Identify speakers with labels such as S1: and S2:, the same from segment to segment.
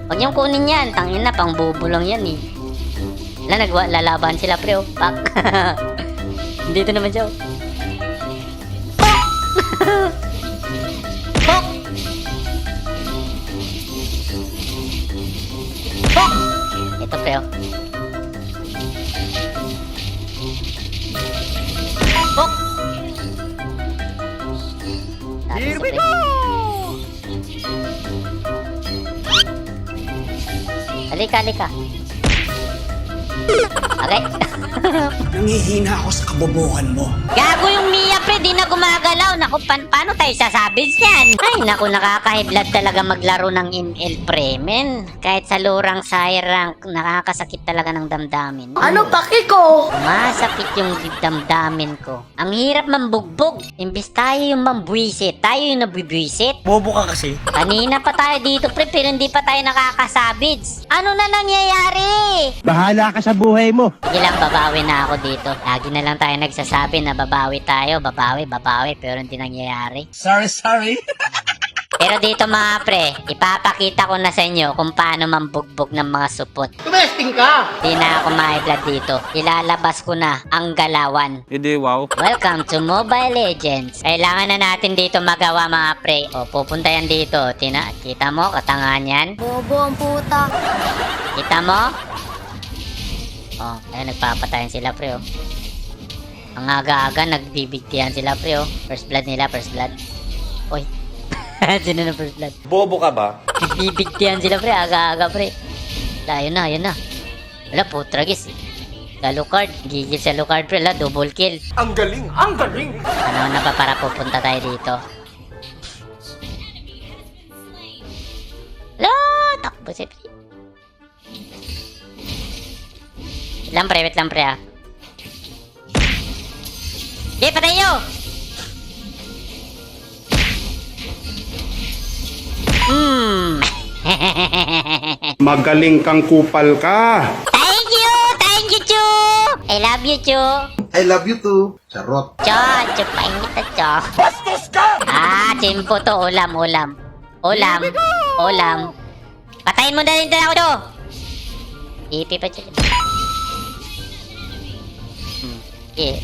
S1: Huwag niyong kunin yan. Tangin na, pang bubulong yan eh. Lalaban sila pre, oh. Pak. Dito naman siya, oh. Pok! Pok! Ito pre, oh. Pok! Here we go! Halika, halika. Okay.
S2: Nangihina ako sa kabobohan mo.
S1: Gago yung Mia, pre. Di na gumagalaw. Naku, paano tayo sasabis yan? Ay, naku, nakakahiblad talaga maglaro ng ML, pre. Men, kahit sa lurang sire rank, nakakasakit talaga ng damdamin.
S3: Ano paki ko?
S1: Masakit yung damdamin ko. Ang hirap mambugbog. Imbis tayo yung mambuisit, tayo yung nabubwisit.
S2: Bobo ka kasi.
S1: Kanina pa tayo dito, pre, pero hindi pa tayo nakakasabids. Ano na nangyayari?
S4: Bahala ka sa buhay mo.
S1: Sige lang, babawi na ako dito. Lagi na lang tayo nagsasabi na babawi tayo, babawi, pero hindi nangyayari.
S2: Sorry.
S1: Pero dito mga pre, ipapakita ko na sa inyo kung paano mambugbog ng mga supot.
S3: Tumesting ka!
S1: Di na ako ma-vlog dito. Ilalabas ko na ang galawan.
S4: Hindi, wow.
S1: Welcome to Mobile Legends. Kailangan na natin dito magawa mga pre. O, pupunta yan dito. Kita mo, katangahan yan?
S3: Bobo ang puta.
S1: Kita mo? Oh, ayun, nagpapatayan sila pre, oh. Ang aga-aga, nagbibigtihan sila pre, oh. First blood nila, first blood. Oy. Sino na first blood?
S5: Bobo ka ba?
S1: Nagbibigtihan sila pre, aga-aga pre. Ayun na. Wala, putragis. Sa Lucard, gigil sa Lucard pre, la, double kill.
S5: Ang galing! Ang galing!
S1: Ano na ba para pupunta tayo dito? La, takbo si pre. Wait lang pre ah. Okay, patay nyo!
S4: Magaling kang kupal ka.
S1: Thank you, Chu! I love you, Chu!
S6: I love you too. Charot.
S1: Cho, chupain kita, Cho.
S5: Bastos ka!
S1: Chimpo to, ulam. Patayin mo na rin ako to! Ipi pa, Chu. Yeah.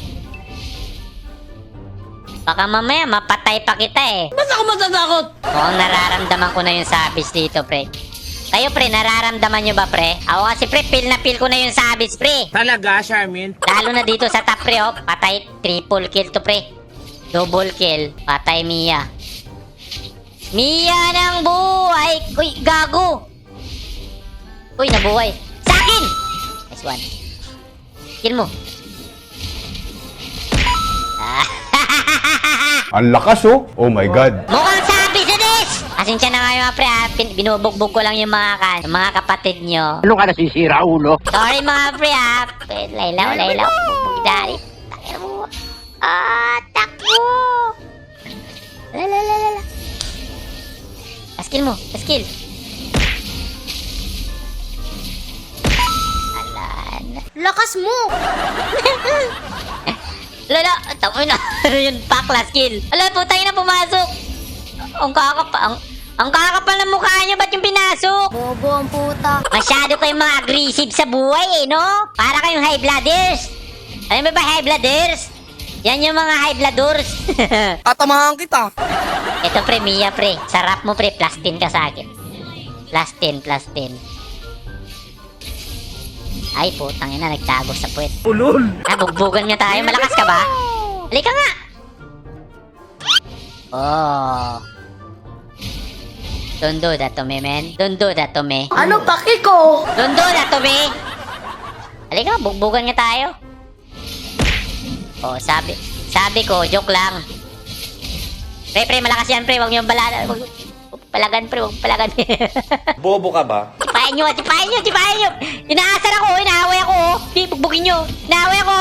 S1: Baka mamaya mapatay pa kita eh.
S3: Ba't ako matatakot?
S1: Mukhang nararamdaman ko na yung sabis dito, pre. Kayo, pre, nararamdaman nyo ba, pre? Ako kasi, pre, feel na feel ko na yung sabis, pre.
S3: Talaga, Charmin?
S1: Lalo na dito sa top, pre, oh. Patay, triple kill to, pre. Double kill. Patay, Mia. Mia ng buhay! Uy, gago! Uy, nabuhay. Sa akin! Nice one. Kill mo.
S4: Ang lakas oh. Oh my God.
S1: Mukhang sabi sa this! Pasensya na nga yung mga pre, ha? Binubugbog ko lang yung mga kapatid nyo.
S4: Ano ka nasisira, ulo?
S1: Sorry mga pre, ha? Laylaw. Bugbog dari. Takir mo. Takbo! Lala. Skill mo. Skill. Alan.
S3: Lakas mo!
S1: Lala, tapoy na. Yung pakla skill. Ala, putay na pumasok. Ang kakapal ng mukha nyo, ba't yung pinasok?
S3: Bobo ang puta.
S1: Masyado kayong mga aggressive sa buhay no? Para kayong high blooders. Alam mo ba high blooders? Yan yung mga high blooders.
S3: Tatamahan kita.
S1: Ito pre, Mia pre. Sarap mo pre, plus 10 ka sa akin. Plus 10. Ay, putang ina, nagtago sa puwet.
S4: Ulol.
S1: Bugbugan niya tayo. Malakas ka ba? Halika nga. Oh. Don't do that to me, man. Don't do that to me.
S3: Ano paki ko?
S1: Don't do that to me. Halika, bugbugan nga tayo. Oh, sabi ko, joke lang. Pre, malakas yan, pre. Huwag niyo balala. Palagan, pre. Huwag palagan.
S5: Bobo ka ba?
S1: Tipahin nyo. Inaasar ako, inaaway ako. Bugbugin nyo. Inaaway ako.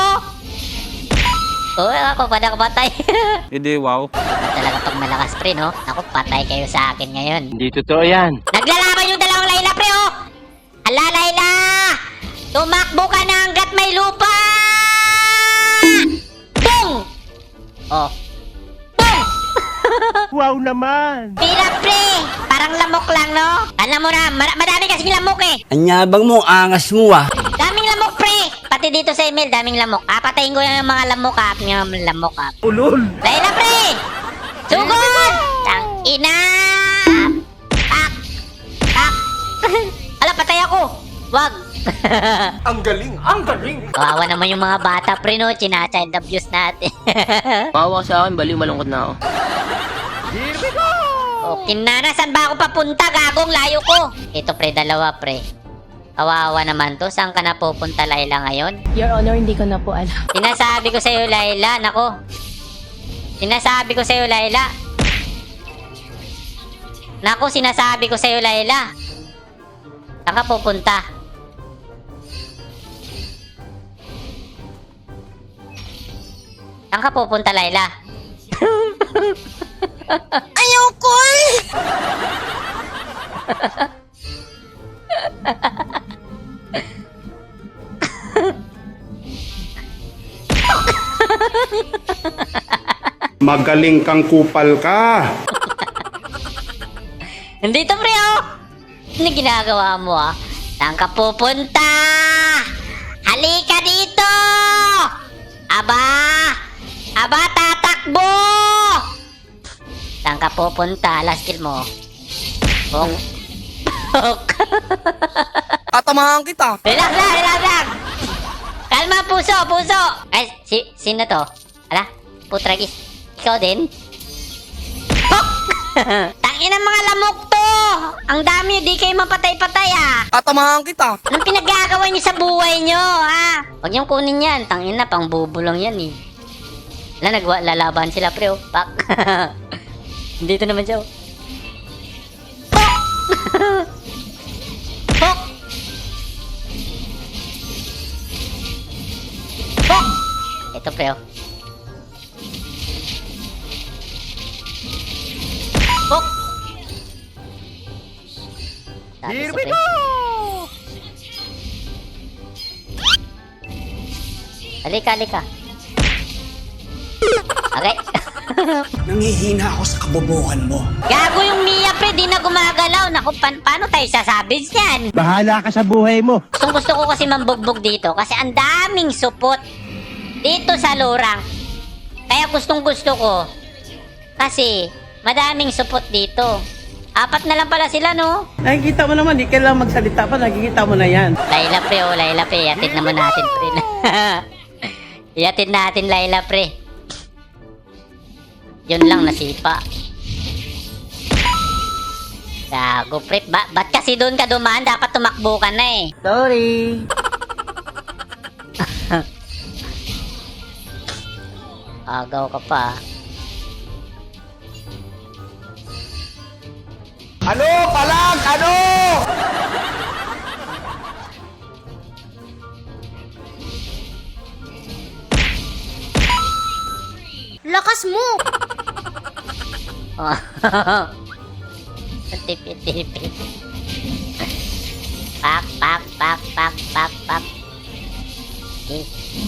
S1: Ako pa nakapatay.
S4: Hindi, wow.
S1: Talaga pag malakas, pre, no? Ako, patay kayo sa akin ngayon.
S4: Hindi totoo yan.
S1: Naglalaban yung dalawang Layla, pre, oh! Ala, Layla! Tumakbo ka na hanggat may lupa! Boom! Oh. Boom!
S4: Wow naman.
S1: Pira, pre! Para Parang lamok lang, no? Alam mo na, madami kasing lamok eh.
S2: Anyabang mo, angas mo ah.
S1: Daming lamok, pre. Pati dito sa email, daming lamok. Patayin ko yung mga lamok, Yung mga lamok,
S2: Ulol.
S1: Layla, pre! Sugod! Tang ina! Tak! Tak! Ala, patay ako! Wag!
S5: Ang galing! Ang galing!
S1: Kawawa naman yung mga bata, pre, no? China-child abuse natin.
S7: Mawa ka sa akin, baliw malungkot na ako.
S1: Okay na, saan ba ako papunta? Gagong layo ko. Ito, pre, dalawa, pre. Kawawa naman to. Saan ka na pupunta, Layla, ngayon?
S8: Your Honor, hindi ko na po alam.
S1: Sinasabi ko sa'yo, Layla. Nako. Sinasabi ko sa'yo, Layla. Nako, sinasabi ko sa'yo, Layla. Saan ka pupunta? Saan ka pupunta, Layla?
S3: Ayoko eh!
S6: Magaling kang kupal ka.
S1: Nandito, pre, oh! Ano ginagawa mo, ah? Saan ka pupunta? Halika dito! Aba! Aba, tatakbo! Saan ka pupunta? Last kill mo. Bong.
S3: Tatamahan kita.
S1: Relax lang, relax lang! Kalma, puso, puso! Ay, sino to? Ala, putragis. Ikaw din? Pok! Tangin ang mga lamok to! Ang dami, di kayo mapatay-patay, ah!
S3: Tatamahan kita.
S1: Anong pinaggagawa niyo sa buhay niyo, ha? Huwag niyong kunin yan. Tangin na, pang bubo lang yan, eh. Lalaban sila, pre, oh. Pak. Dito naman siya, oh. Pok! Pok! Pok! Ito, pre, oh. Pok! Here we go! Halika, halika. Okay.
S2: Nangihina ako sa kabobohan mo.
S1: Gago yung Mia, pre. Di na gumagalaw. Naku, paano tayo sasabits yan?
S4: Bahala ka sa buhay mo.
S1: Gusto ko kasi mambugbog dito kasi ang daming supot dito sa lurang. Kaya gustong gusto ko kasi madaming supot dito. 4 na lang pala sila, no?
S9: Nakikita mo naman, di kailangan magsalita pa, nakikita mo na yan.
S1: Layla, pre, oh, Layla, pre. Iatid naman natin, pre. Iatid natin, Layla, pre. Yun lang, nasipa. Gago, pre. Ba't kasi doon ka dumaan? Dapat tumakbo ka na, eh.
S9: Sorry.
S1: Agaw ka pa.
S5: Ano? Palag! Ano?
S3: Lakas mo!
S1: Tipi-tipi. Pak, pak, pak, pak, pak, pak. Okay.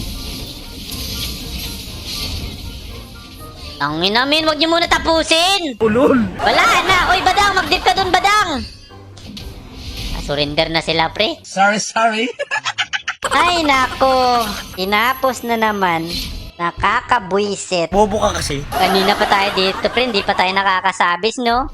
S1: Tangin namin, wag niyo muna tapusin!
S9: Ulol.
S1: Wala na! Oy, Badang! Mag-dip ka dun, Badang! Surrender na sila, pre.
S2: Sorry.
S1: Ay, nako. Tinapos na naman. Nakakabwisit.
S2: Bobo ka kasi.
S1: Kanina pa tayo dito, pre. Hindi pa tayo nakakasabis, no?